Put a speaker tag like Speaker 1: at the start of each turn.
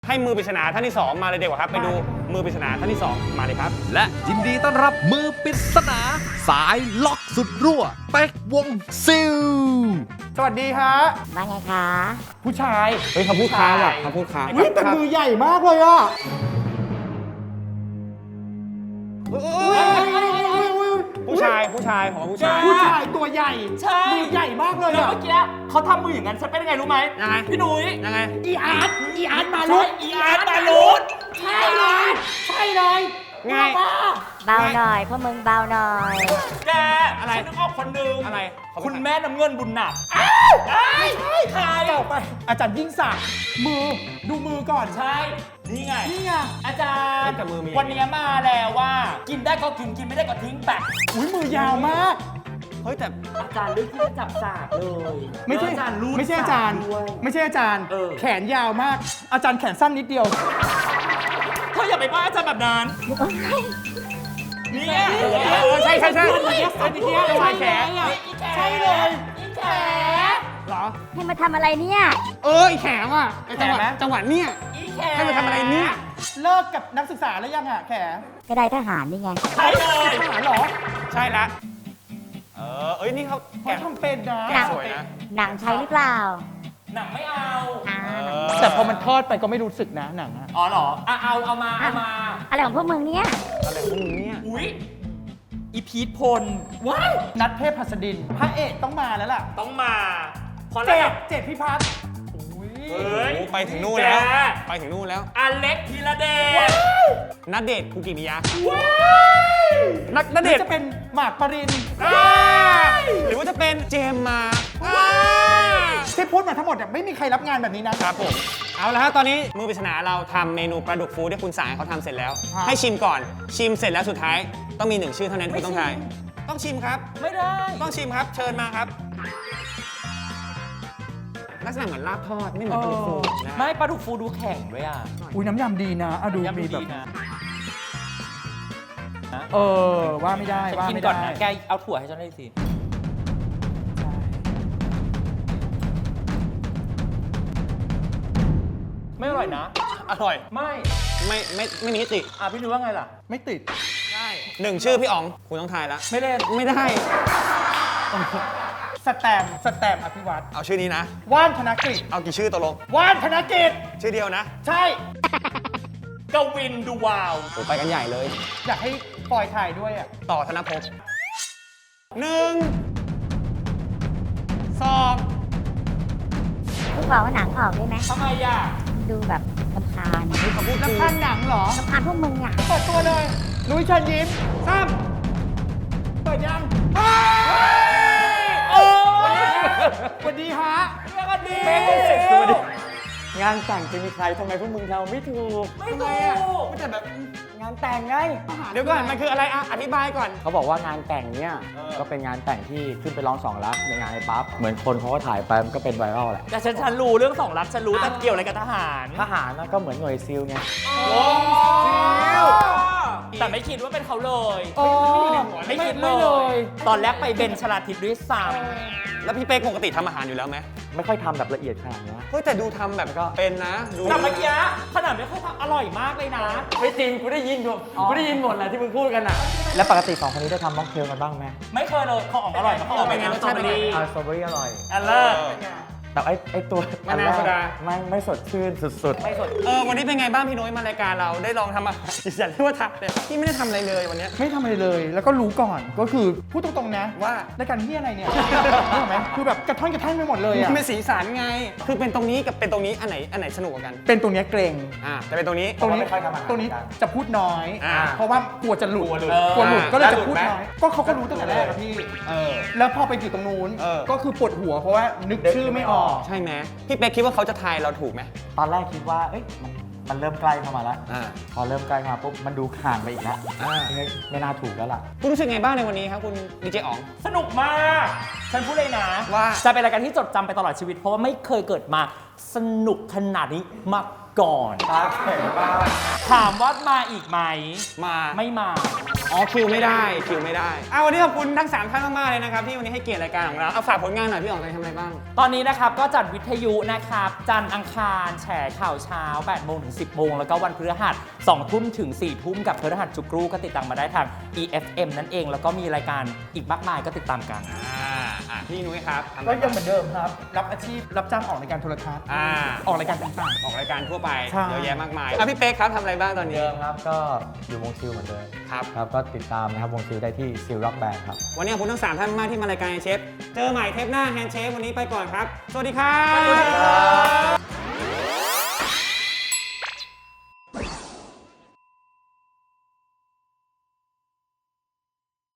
Speaker 1: ให้มือปริศนาท่านที่2มาเลยดีกว่าครับไปดูมือปริศนาท่านที่2มาเลยครับ
Speaker 2: และยินดีต้อนรับมือปริศนาสายล็อกสุดรั่วเป๊กวงซิล
Speaker 3: สวัสดีฮะ
Speaker 4: ว่าไงคะ
Speaker 3: ผู้ชาย
Speaker 1: เฮ้ยเขาพูดค้างว่ะเขาพูดค้าง
Speaker 3: วิ่งแต่มือใหญ่มากเลยอ่ะ
Speaker 1: ผู้ชายผู้ชายของผู้ชาย
Speaker 3: ตัวใหญ่
Speaker 5: ใช่
Speaker 3: มือใหญ่มากเลย
Speaker 5: แล้ว
Speaker 3: อ่ะ
Speaker 5: เมื่อกี้เขาทำมืออย่างนั้นฉันเป็นยังไงรู้ไหม
Speaker 1: ยังไง
Speaker 5: พี่หนุ่ย
Speaker 1: ยังไง
Speaker 3: อีอาร์ตมาลุ
Speaker 5: ใช่อีอาร์ตมาลุด
Speaker 3: ใช่เลย
Speaker 1: ไง
Speaker 4: เบาหน่อยพวกมึงเบาหน่อย
Speaker 5: แก
Speaker 1: อะไร
Speaker 5: ฉันนึกออกคนหนึง
Speaker 1: อะไร
Speaker 5: คุณแม่น้ำเงินบุญหนักใคร
Speaker 3: ต่อไปอาจารย์ยิ่งศักดิ์มือดูมือก่อน
Speaker 5: ใช่ นี่ไง
Speaker 3: นี่ไง
Speaker 5: อาจารย์
Speaker 1: แต่มือมี
Speaker 5: วันนี้มาแล้วว่า กินได้ก็กินกินไม่ได้ก็ทิ้งไป
Speaker 3: อุ้ยมือยาวมาก
Speaker 1: เฮ้ยแต่
Speaker 5: อาจารย์เลือกที่จะจับสากเลย
Speaker 3: ไม่ใช่
Speaker 5: แล้วอาจารย์รูด
Speaker 3: ไม่ใช่อาจารย์
Speaker 5: สกด้วย
Speaker 3: ไม่ใช่อาจารย์
Speaker 5: เออ
Speaker 3: แขนยาวมาก อาจารย์แขนสั้นนิดเดียว
Speaker 5: เธออย่าไปว่าอาจารย์แบบนั้นเนี่ย
Speaker 1: ใช่ใช่ใช่
Speaker 3: อันนี้ชายแขนใช่เลย
Speaker 5: แข
Speaker 1: เหรอ
Speaker 4: ให้มาทำอะไรเนี่ย
Speaker 1: อีแขงอ่ะไอ้จังหวะเนี่ย
Speaker 5: อีแข
Speaker 1: ให้มาทำอะไรเนี่ย
Speaker 3: เลิกกับนักศึกษาแล้วยังอ่ะแข
Speaker 4: ก็ได้ทหารนี่ไง
Speaker 5: ใช่เลย
Speaker 3: ทหารเหรอ
Speaker 1: ใช่ละเอ้ยนี่เขา
Speaker 3: เขาทำเป็นนะ
Speaker 1: แกะสวยนะ
Speaker 4: หนังใช้หรือเปล่า
Speaker 5: หนังไม่เอา
Speaker 4: อ่า
Speaker 3: แต่พอมันทอดไปก็ไม่รู้สึกนะหนังอะ
Speaker 5: อ๋อเหรอเอามา
Speaker 4: อะไรของพวกมึงเนี่ย
Speaker 1: อะไรของมึงเนี่ย
Speaker 5: อุ๊ยอีพีทพลว้าย
Speaker 3: นัดเทพหัสดินพระเอกต้องมาแล้วล่ะ
Speaker 5: ต้องมาเพราะ
Speaker 3: เจ็
Speaker 5: แล้ว
Speaker 3: ดเจ็ดพิพัฒน์
Speaker 5: เฮ้ย
Speaker 1: โอ้ไปถึงนู่นแล้ว
Speaker 5: แก
Speaker 1: ไปถึงนู่นแล้ว
Speaker 5: อเล็กธีรเดช
Speaker 1: นัดเดทคุกิมิยะ
Speaker 3: นัก
Speaker 1: ณเดชน์
Speaker 3: จะเป็นหมากปริน
Speaker 1: หรือว่าจะเป็นเจมส์มา
Speaker 3: ที่พูดมาทั้งหมดเนี่ยไม่มีใครรับงานแบบนี้นะครับ
Speaker 1: ผมเอาละฮะตอนนี้มือปริศนาเราทำเมนูปลาดุกฟูที่คุณสายเขาทำเสร็จแล้ว
Speaker 3: ครับ
Speaker 1: ให้ชิมก่อนชิมเสร็จแล้วสุดท้ายต้องมี1ชื่อเท่านั้นคุณต้องทายต้องชิมครับ
Speaker 5: ไม่ได้
Speaker 1: ต้องชิมครับ เชิญมาครับ ลักษณะเหมือนลาบทอดไม่เหมือนปลาดุกฟูนะ
Speaker 5: ไม่ปลาดุกฟูดูแข็งด้วยอ่ะ
Speaker 3: อุ้ยน้ำยำดีนะอ่ะดู
Speaker 5: ยัง
Speaker 3: มี
Speaker 5: ดี
Speaker 3: แบบ
Speaker 5: นะ
Speaker 3: ว่าไม่ได้
Speaker 5: ฉัน
Speaker 3: ว่า
Speaker 5: กิน
Speaker 3: ไม่
Speaker 5: ก่อน
Speaker 3: ได้
Speaker 5: นะแกเอาถั่วให้ฉันหน่อยสิไม่อร่อยนะ
Speaker 1: อร่อย
Speaker 5: ไม่
Speaker 1: ไม่มีทิติ
Speaker 5: พี่รู้ว่าไงล่ะ
Speaker 3: ไม่ติด
Speaker 1: ใช่1ชื่อพี่อ๋องคุณต้องทายแล้ว
Speaker 5: ไม่เล่น
Speaker 1: ไม่ได้
Speaker 3: สแตมป์อภิวัตร
Speaker 1: เอาชื่อนี้นะ
Speaker 3: ว่านธนกฤษ
Speaker 1: เอากี่ชื่อตกลง
Speaker 3: ว่านธนกฤษ
Speaker 1: ชื่อเดียวนะ
Speaker 3: ใช่
Speaker 5: กวินดูวาว
Speaker 1: โอ้ไปกันใหญ่เลย
Speaker 3: อยากให้ปล่อยถ่ายด้วยอ่ะ
Speaker 1: ต่อธนภพ1 2
Speaker 4: พวกเราว่าหนังออกได้ไหม
Speaker 5: ทำไมอ่ะ
Speaker 4: ดูแบบลำคาญ
Speaker 1: เขาพูด
Speaker 3: แล้ว
Speaker 1: ถูก
Speaker 3: พันหนังเหรอ
Speaker 4: ลำคาญพวกมึงอ่ะ
Speaker 3: เปิดตัวเลยนุ้ยเชิญยิ้ม เปิดยังสวัสดีฮะ
Speaker 5: สวัสดี
Speaker 6: งานแต่งจะมีใครทำไมพวกมึงทำไม่ถูก
Speaker 5: ไม่ถูก
Speaker 1: แต่แบบ
Speaker 6: งานแต่งไง
Speaker 1: เดี๋ยวก่อนมันคืออะไรอธิบายก่อน
Speaker 6: เขาบอกว่างานแต่งเนี่ยก็เป็นงานแต่งที่ขึ้นไปร้องสองรักในงานไอ้ปั๊บเหมือนคนเขาก็ถ่ายไปมันก็เป็นไวรัลแหละ
Speaker 5: แต่ฉันรู้เรื่อง2 รัฐฉันรู้แต่เกี่ยวอะไรกับทหาร
Speaker 6: ทหารน่ะก็เหมือนหน่วยซิลไง
Speaker 5: แต่ไม่คิดว่าเป็นเขาเลย
Speaker 3: โอ้
Speaker 5: ไม่คิด
Speaker 3: ไม่เลย
Speaker 5: ตอนแรกไปเบนชลาทิศด้วยซ้
Speaker 1: แล้วพี่เป๊กปกติทำอาหารอยู่แล้วไหม
Speaker 6: ไม่ค่อยทำแบบละเอียดขนาดนี้
Speaker 1: เฮ้ยแต่ดูทำแบบก็เป็นนะดู
Speaker 5: ำแต่เมื่อกี้ขนาดไม่ค่อยทำอร่อยมากเลยนะ
Speaker 6: ไม่จริงกูได้ยินหมดแหละที่มึงพูดกันอ่ะ แล้วปกติสองคนนี้ได้ทำม็อกเทลกันบ้างไหม
Speaker 5: ไม่เคยเลยของอ๋องอร่อยมากของอ๋องเป็นไงรสชาติเป็นไง
Speaker 6: สตรอเบอรี่อร่อย
Speaker 5: อันเลิศ
Speaker 6: แต่ไอ้ตัวอันแรกไม่สดชื่นสุด
Speaker 5: ไม่สด
Speaker 1: วันนี้เป็นไงบ้างพี่นุ้ยมารายการเราได้ลองทำอาหารอย่าเรียกว่าทำเลยพี่ไม่ได้ทำอะไรเลยวันเนี้ย
Speaker 3: ไม่ทำอะไรเลย แล้วก็รู้ก่อน ก็คือพูดตรงๆนะ
Speaker 1: ว่า
Speaker 3: รายการที่อะไรเนี่ยรู้ไหมคือแบบกระท่อนกระแท่นไปหมดเลยอ่ะ
Speaker 1: มันเป็นสีสันไง คือเป็นตรงนี้กับเป็นตรงนี้อันไหนสนุกกว่ากัน
Speaker 3: เป็นตรงเนี้ยเกรง
Speaker 1: แต่เป็นตรงนี้
Speaker 3: ตรงนี้
Speaker 6: ไม่ค่อยทำอาหาร
Speaker 3: ตรงนี้
Speaker 6: กัน
Speaker 3: จะพูดน้อย เพราะว่ากลัวจะหลุด
Speaker 1: กลัวหลุด
Speaker 3: กลัวหลุด ก็เลยจะ
Speaker 1: หลุด
Speaker 3: พูด
Speaker 1: ไหม
Speaker 3: น้อย ก็เขาก็รู้ตั้งแต่แรกอะพี่ แล้วพอไปอยู่ตรงนู้น ก็คือปวดหัวเพราะว่านึกชื่อไม่ออก
Speaker 1: ใช่ไหมพี่เป๊กคิดว่าเขาจะทายเราถูกไหม
Speaker 6: ๆ ตอนแรกคิดว่าเอ้ยมันเริ่มใกล้เข้ามาแล้ว
Speaker 1: อ่า
Speaker 6: พอเริ่มใกล้เข้ามาปุ๊บมันดูห่างไปอีกแล้ว
Speaker 1: อ่า
Speaker 6: ไม่น่าถูกแล้วล่ะ
Speaker 1: คุณรู้สึกไงบ้างในวันนี้ครับคุณดีเจอ๋อง
Speaker 5: สนุกมาก ฉันพูดเลยนะ
Speaker 1: ว่า
Speaker 5: จะเป็นรายการที่จดจำไปตลอดชีวิต เพราะว่าไม่เคยเกิดมาสนุกขนาดนี้มาก่อน
Speaker 6: ตาแข็งมาก
Speaker 5: ถามว่ามาอีกไหม
Speaker 1: มา
Speaker 5: ไม่มา
Speaker 1: อ๋อคิวไม่ได้วันนี้ขอบคุณทั้ง3ท่านมากๆเลยนะครับที่วันนี้ให้เกียรติรายการของเราเอาฝากผลงานหน่อยพี่อ๋องไปทำอะไรบ้าง
Speaker 5: ตอนนี้นะครับก็จัดวิทยุนะครับจันทร์อังคารแฉข่าวเช้า8โมงถึง10โมงแล้วก็วันพฤหัส2ทุ่มถึง4ทุ่มกับพฤหัสจุกรูก็ติดตามมาได้ทาง EFM นั่นเองแล้วก็มีรายการอีกมากมายก็ติดตามกัน
Speaker 1: พี่นุ้ยครับทำ
Speaker 3: ก็ยังเหมือนเดิมครับ รับอาชีพรับจ้างออกรายการโทรทัศน์ออกรายการต่าง
Speaker 1: ออกรายการทั่วไป
Speaker 3: ใช่
Speaker 1: เยอะแยะมากมายพี่เป๊กครับทำอะไรบ้างตอนนี้
Speaker 6: เดิมครับก็อยู่วงซิลเหมือนเดิม
Speaker 1: ครับ
Speaker 6: ครับก็ติดตามนะครับวงซิลได้ที่ซิลร็อกแบนด์ครับ
Speaker 1: วันนี้ขอบคุณทั้ง3ท่านมากที่มารายการเชฟเจอใหม่เทปหน้าแฮนด์เชฟวันนี้ไปก่อนครับสวัสดีครับ